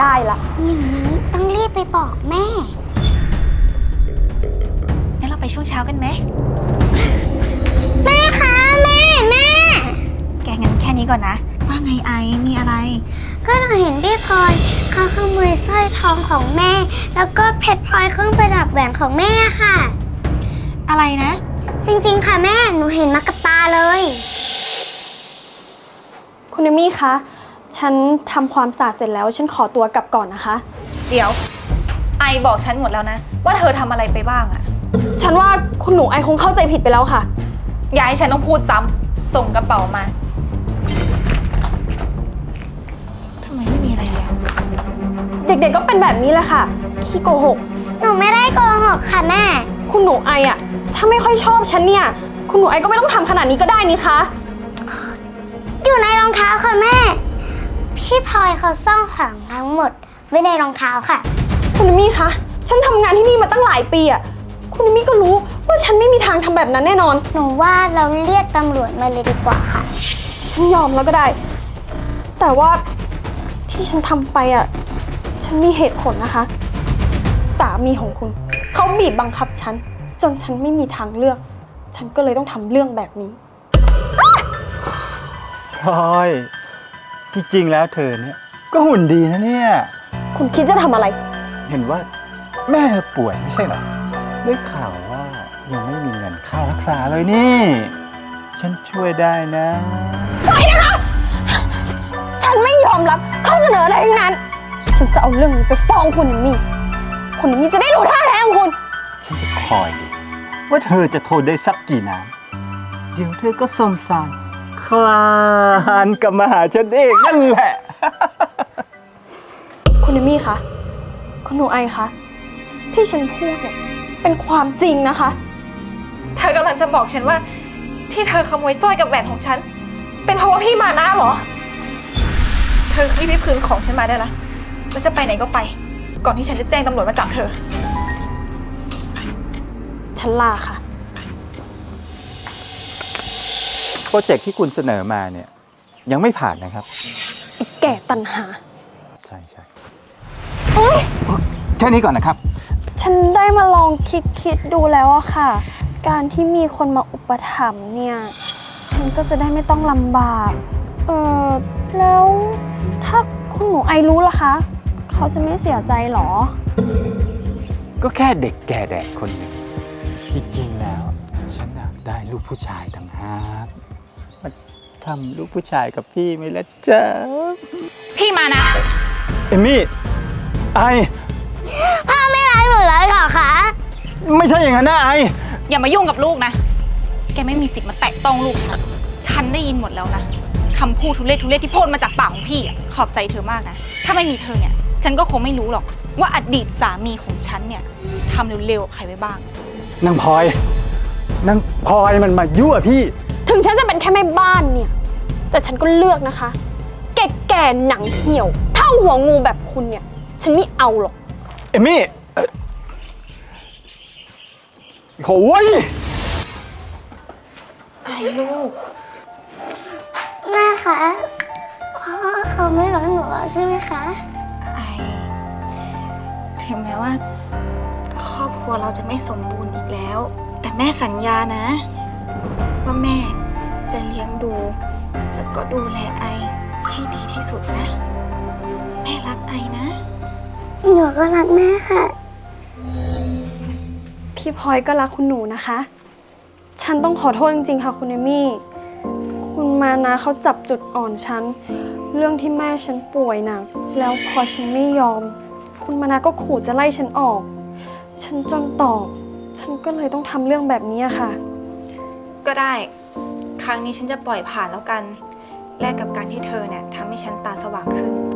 ได้ละอย่างนี้ต้องรีบไปบอกแม่งั้นเราไปช่วงเช้ากันไหมแม่คะแม่แกงั้นแค่นี้ก่อนนะว่าไงไอมีอะไรก็หนูเห็นพี่พลอยเขาขโมยสร้อยทองของแม่แล้วก็เพชรพลอยเครื่องประดับแหวนของแม่ค่ะอะไรนะจริงๆค่ะแม่หนูเห็นมากับตาเลยคุณเอมี่คะฉันทำความสะอาดเสร็จแล้วฉันขอตัวกลับก่อนนะคะเดี๋ยวไอบอกฉันหมดแล้วนะว่าเธอทำอะไรไปบ้างอะฉันว่าคุณหนูไอคงเข้าใจผิดไปแล้วค่ะอย่าให้ฉันต้องพูดซ้ำส่งกระเป๋ามาทำไมไม่มีอะไรแล้วเด็กๆก็เป็นแบบนี้แหละค่ะขี้โกหกหนูไม่ได้โกหกค่ะแม่คุณหนูไออะถ้าไม่ค่อยชอบฉันเนี่ยคุณหนูไอก็ไม่ต้องทำขนาดนี้ก็ได้นี่คะอยู่ในรองเท้าค่ะแม่พี่พลอยเขาซ่อนของทั้งหมดไว้ในรองเท้าค่ะคุณเอมี่คะฉันทำงานที่นี่มาตั้งหลายปีอะคุณเอมี่ก็รู้ว่าฉันไม่มีทางทำแบบนั้นแน่นอนหนูว่าเราเรียกตำรวจมาเลยดีกว่าค่ะฉันยอมแล้วก็ได้แต่ว่าที่ฉันทำไปอะฉันมีเหตุผลนะคะสามีของคุณเขาบีบบังคับฉันจนฉันไม่มีทางเลือกฉันก็เลยต้องทำเรื่องแบบนี้พลอยที่จริงแล้วเธอเนี่ยก็หุ่นดีนะเนี่ยคุณคิดจะทำอะไรเห็นว่าแม่เธอป่วยไม่ใช่เหรอได้ข่าวว่ายังไม่มีเงินค่ารักษาเลยนี่ฉันช่วยได้นะปล่อยนะคะฉันไม่ยอมรับข้อเสนออะไรทั้งนั้นฉันจะเอาเรื่องนี้ไปฟ้องคุณเอมี่คุณเอมี่จะได้รู้ท่าแท้ของคุณฉันจะคอยดูว่าเธอจะทนได้สักกี่น้ำเดี๋ยวเธอก็สมสารคลานกลับมาหาฉันเองนั่นแหละคุณเอมี่คะคุณหนูไอคะที่ฉันพูดเนี่ยเป็นความจริงนะคะเธอกำลังจะบอกฉันว่าที่เธอขโมยสร้อยกับแหวนของฉันเป็นเพราะว่าพี่มานะเหรอเธอรีบคืนของฉันมาได้ละแล้วจะไปไหนก็ไปก่อนที่ฉันจะแจ้งตำรวจมาจับเธอฉันลาค่ะโปรเจกต์ที่คุณเสนอมาเนี่ยยังไม่ผ่านนะครับอีกแก่ตัณหาใช่แค่นี้ก่อนนะครับฉันได้มาลองคิดดูแล้วอะค่ะการที่มีคนมาอุปถัมภ์เนี่ยฉันก็จะได้ไม่ต้องลำบากแล้วถ้าคุณหนูไอรู้ล่ะคะเขาจะไม่เสียใจหรอก็แค่เด็กแก่แดดคนหนึ่งจริงๆแล้วฉันอยากได้ลูกผู้ชายต่างหากมาทำลูกผู้ชายกับพี่ไหมล่ะจ๊ะพี่มานะเอมี่ไอพ่อไม่รักหนูแล้วหรอคะไม่ใช่อย่างนั้นนะไออย่ามายุ่งกับลูกนะแกไม่มีสิทธิ์มาแตะต้องลูกฉันได้ยินหมดแล้วนะคำพูดทุเรศที่พ่นมาจากปากของพี่อ่ะขอบใจเธอมากนะถ้าไม่มีเธอเนี่ยฉันก็คงไม่รู้หรอกว่าอดีตสามีของฉันเนี่ยทำเร็วๆกับใครไว้บ้างนางพลอยมันมายั่วพี่ถึงฉันจะเป็นแค่แม่บ้านเนี่ยแต่ฉันก็เลือกนะคะแก่หนังเหี่ยวเท่าหัวงูแบบคุณเนี่ยฉันไม่เอาหรอกเอมี่โอ้ยไอ้ลูกแม่คะพ่อเขาไม่รักหนูแล้วใช่ไหมคะไอถึงแม้ว่าครอบครัวเราจะไม่สมบูรณ์อีกแล้วแต่แม่สัญญานะว่าแม่จะเลี้ยงดูแล้วก็ดูแลไอให้ดีที่สุดนะแม่รักไอนะหนูก็รักแม่ค่ะพี่พลอยก็รักคุณหนูนะคะฉันต้องขอโทษจริงๆค่ะคุณเอมี่คุณมานะเขาจับจุดอ่อนฉันเรื่องที่แม่ฉันป่วยหนักแล้วพอฉันไม่ยอมคุณมานะก็ขู่จะไล่ฉันออกฉันจนตอบฉันก็เลยต้องทำเรื่องแบบนี้ค่ะก็ได้ครั้งนี้ฉันจะปล่อยผ่านแล้วกันแลกกับการที่เธอเนี่ยทำให้ฉันตาสว่างขึ้น